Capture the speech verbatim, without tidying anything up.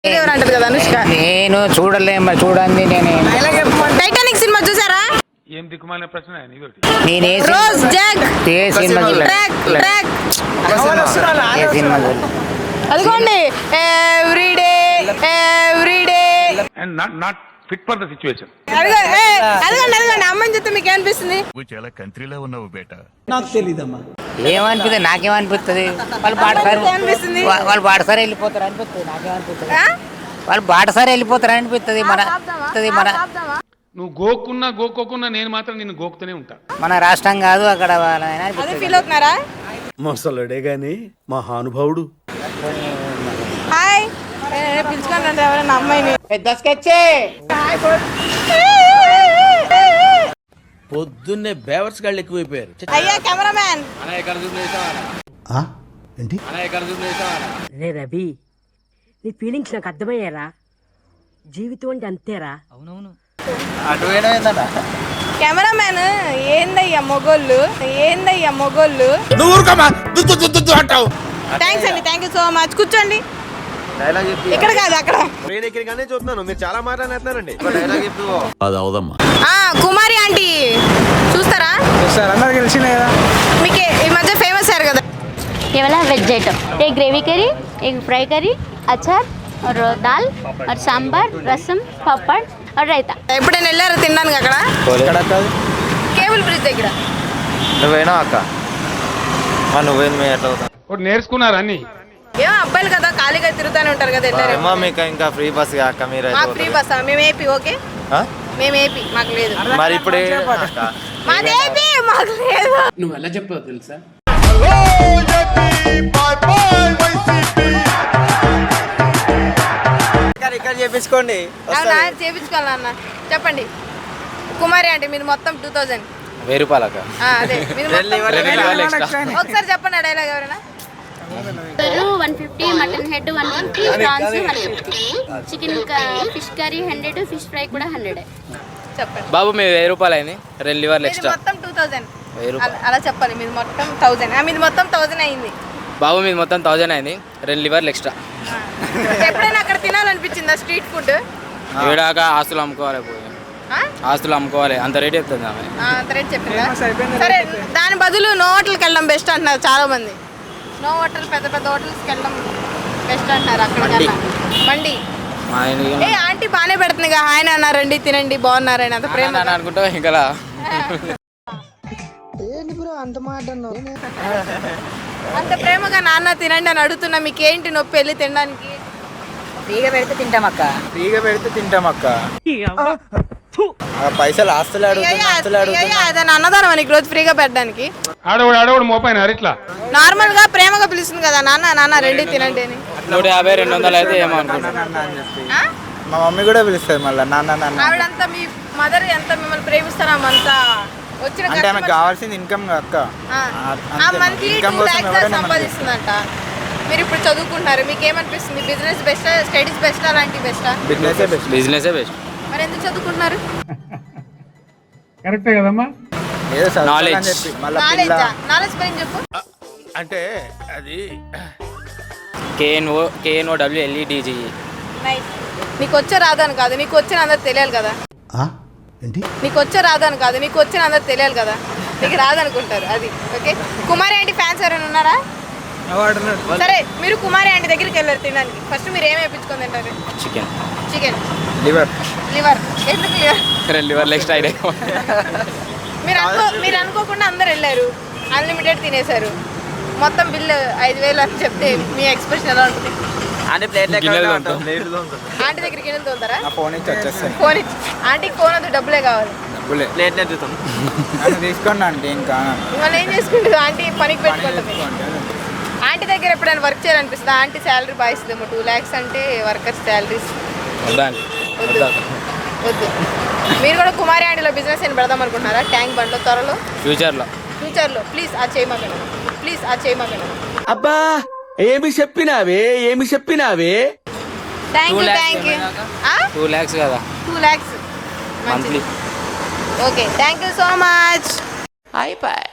అంటది కదా అనుష్క. నేను చూడలే మరి చూడండి. నేను టైటానిక్ సినిమా చూసారా? ఏం దిక్కుమాలిన ప్రశ్న ఇదొకటి. నేనే రోజ్ జాక్ ఏ సినిమా చూడలే. ట్రాక్ ట్రాక్ ఏ సినిమా చూడలే. అదిగోండి everyday everyday and not not fit for the situation. అదిగో ఏ, అదిగోండి అదిగోండి అమ్మని చెప్తే మీకు ఏమనిపిస్తుంది? నువ్వు చాలా కంట్రీలో ఉన్నావు బేట. ఏమనిపిస్తుంది? నాకేమనిపిస్తుంది? వాళ్ళు బాటసారి ఏమనిపిస్తుంది? వా- వాళ్ళు బాటసారి వెళ్ళిపోతారు అనిపిస్తుంది. నాకేమనిపిస్తుంది? ఆ? వాళ్ళు బాటసారి వెళ్ళిపోతారు అనిపిస్తుంది. మన అనిపిస్తుంది మన నువ్వు గోక్కున్నా గోక్కోకున్నా నేను మాత్రం నిన్ను గోకుతూనే ఉంటా. మన రాష్ట్రం కాదు అక్కడ వాళ్ళ ఆయన అదే అనిపిస్తుంది. ఫీల్ అవుతున్నారా? మొసలుడే గాని మహానుభావుడు. హాయ్ పిలుచుకోండి అంటే ఎవరైనా అమ్మాయిని. పెద్ద స్కెచ్చే. పొద్దున్నే బేవర్స్ గాళ్ళు ఎక్కువైపోయారు. అయ్యా కెమెరామ్యాన్ ఏంటి రే రవి, నీ ఫీలింగ్స్ నాకు అర్థమయ్యారా? జీవితం అంటే అంతేరా. కెమెరామ్యాన్ ఏందయ్యా మొగోళ్ళు ఏందయ్యా మొగోళ్ళు. అంటావు. థ్యాంక్స్ అండి, థ్యాంక్ యూ సో మచ్. కూర్చోండి. ఇక్కడ కాదు అక్కడ. చూస్తున్నాను మీరు చాలా మాట్లాడుతున్నారండి. ఆ కుమారి ఆంటీ చూస్తారా? మీకు ఈ మధ్య ఫేమస్ అయ్యారు కదా. ये वाला वेज आइटम, एक ग्रेवी करी, एक फ्राई करी, अचार और दाल और सांबर, रसम, पापड़ और रायता. ఎప్పుడైనా వెళ్ళారు తినడానికి అక్కడ? కేబుల్ బ్రిడ్జ్ దగ్గర. నువ్వేనా అక్క? నువ్వేంది ఎట్లా ఒకటి నేర్చుకున్నారు అన్ని. ఏమో అబ్బాయిలు కదా ఖాళీగా తిరుగుతూనే ఉంటారు కదా. వెళ్ళారు అమ్మా మీకు ఇంకా ఫ్రీ బస్ అక్క మీరు మాకు ఫ్రీ బస్. మేము ఏపీ. ఓకే మేము ఏపీ, మాకు లేదు. మరి ఇప్పుడు మాది ఏపీ, మాకు లేదు. నువ్వు ఎలా చెప్పావు తెలుసా? ఇక్కడ చేపించుకోండి. అవునా చేపించుకోవాలా అన్న? చెప్పండి. కుమారి అంటే మీది మొత్తం టూ థౌజండ్ వెయ్యి రూపాయలు అక్క. అదే మీది మొత్తం. ఒకసారి చెప్పండి ఆ డైలాగ్ ఎవరైనా. One fifty, mutton head one fifty, prawns one fifty, chicken fish curry hundred, fish fry కూడా హండ్రెడ్. చెప్పండి. బాబు మీ వెయ్యి రూపాయలు అయింది, రెండు లివర్లు మీది మొత్తం టూ థౌజండ్. అలా చెప్పాలి. మీది మొత్తం థౌజండ్. మీది మొత్తం థౌజండ్ అయింది. బాబు మీది మొత్తం థౌజండ్ అయింది, రెండు లివర్లు ఎక్స్ట్రా. ఎప్పుడైనా అక్కడ తినాలనిపించిందా స్ట్రీట్ ఫుడ్? ఏడాక ఆస్తులు అమ్ముకోవాలి, పోయి ఆస్తులు అమ్ముకోవాలి, అంత రేట్ చెప్తుంది ఆమె. అంత రేట్ చెప్పిందా? సరే దాని బదులు నో హోటల్కి వెళ్ళడం బెస్ట్ అంటున్నారు చాలా మంది. నో హోటల్, పెద్ద పెద్ద హోటల్స్కి వెళ్ళడం బెస్ట్ అంటున్నారు. అక్కడికల్లా మండి. ఏ ఆంటీ బాగానే పెడుతుంది. హాయ్ నాన్న రండి తినండి బాగున్నారని అంత ప్రేమ అనుకుంటా. ఇంకా అంత ప్రేమగా నాన్న తినండి అని అడుగుతున్నా. మీకేంటి నొప్పి వెళ్ళి తినడానికి? ఫ్రీగా పెడితే తింటాం అక్క. ఫ్రీగా పెడితే తింటాం అక్క. పైసలు ఆస్తులు అదని అన్నదానం నీకు రోజు ఫ్రీగా పెట్టడానికి. ఆడవాడు ఆడవాడు మోపైన ఇట్లా నార్మల్ గా ప్రేమగా పిలుస్తుంది కదా నాన్న నాన్న రండి తినండి అని. నూట యాభై రెండు వందలు అయితే ఏమో అనుకుంటా. ఆ? మా మమ్మీ కూడా పిలుస్తుంది మళ్ళీ నాన్న నాన్న. ఆవిడంతా మీ మదర్ ఎంత మిమ్మల్ని ప్రేమిస్తారా? అంతా వచ్చిన అంటే ఆమెకు కావాల్సింది ఇన్కమ్ అక్క. మంత్లీ టూ లాక్స్ సంపాదిస్తుందంట. మీరు ఇప్పుడు చదువుకుంటున్నారు, మీకు ఏమనిపిస్తుంది? బిజినెస్ బెస్టా, స్టడీస్ బెస్టా, అలాంటి బెస్టా? Business best. Business best. మరి ఎందుకు చదువుకుంటున్నారు? కరెక్టే కదమ్మా. నాలెడ్జ్. నాలెడ్జ్ నాలెడ్జ్ పైన చెప్పు. అంటే అది కేఎన్ఓ కేఎన్ఓ డబ్ల్యూఎల్ఈడిజి. నైస్. నీకు వచ్చే రాదని కాదు, నీకు వచ్చిన అందరు తెలియాలి కదా. ఏంటి నీకు వచ్చే రాదని కాదు, నీకు వచ్చిన అందరు తెలియాలి కదా. నీకు రాదనుకుంటారు అది. ఓకే కుమారి ఆంటీ ఫ్యాన్స్ ఎవరైనా ఉన్నారా? సరే మీరు కుమారి ఆంటీ దగ్గరికి వెళ్ళారు తినడానికి. ఫస్ట్ మీరు ఏమి వేయించుకొని తింటారు? Chicken, chicken, liver. లివర్. ఎందుకు లివర్? రెండు లివర్లు ఎక్స్ట్రా అయినాయి. మీరు అనుకో మీరు అనుకోకుండా అందరు వెళ్ళారు, అన్లిమిటెడ్ తినేశారు, మొత్తం బిల్లు ఐదు వేలు అని చెప్తే మీ ఎక్స్ప్రెషన్ ఎలా ఉంటుంది? అంటే ప్లేట్ ఆంటీ దగ్గరికి గిన్నెలు తోలుతారా? ఫోన్ ఇచ్చి వచ్చేస్తాను. ఫోన్ ఇచ్చి ఆంటీకి ఫోన్ వద్దు, డబ్బులే కావాలి. ప్లేట్ నెట్టుతాం తీసుకోండి అంటే ఏం కాదు. ఇవాళ ఏం చేసుకుంటుంది ఆంటీ? పనికి పెట్టుకుంటుంది. ఆంటీ దగ్గర ఎప్పుడైనా వర్క్ చేయాలనిపిస్తుంది? ఆంటీ శాలరీ బాగా ఇస్తుందేమో, టూ ల్యాక్స్ అంటే వర్కర్స్ శాలరీస్. వద్దు వద్దు. మీరు కూడా కుమారి ఆంటీలో బిజినెస్ ఏం పెడదాం అనుకుంటున్నారా? ట్యాంక్ బండ్లో త్వరలో ఫ్యూచర్లో ఫ్యూచర్లో ప్లీజ్ ఆ చేయమగలను, ప్లీజ్ ఆ చేయమగలను. అబ్బా ఏమి చెప్పినావే ఏమి చెప్పినావే thank you thank you. Two lakhs కదా, two lakhs monthly. Okay thank you so much. అయిపోయి.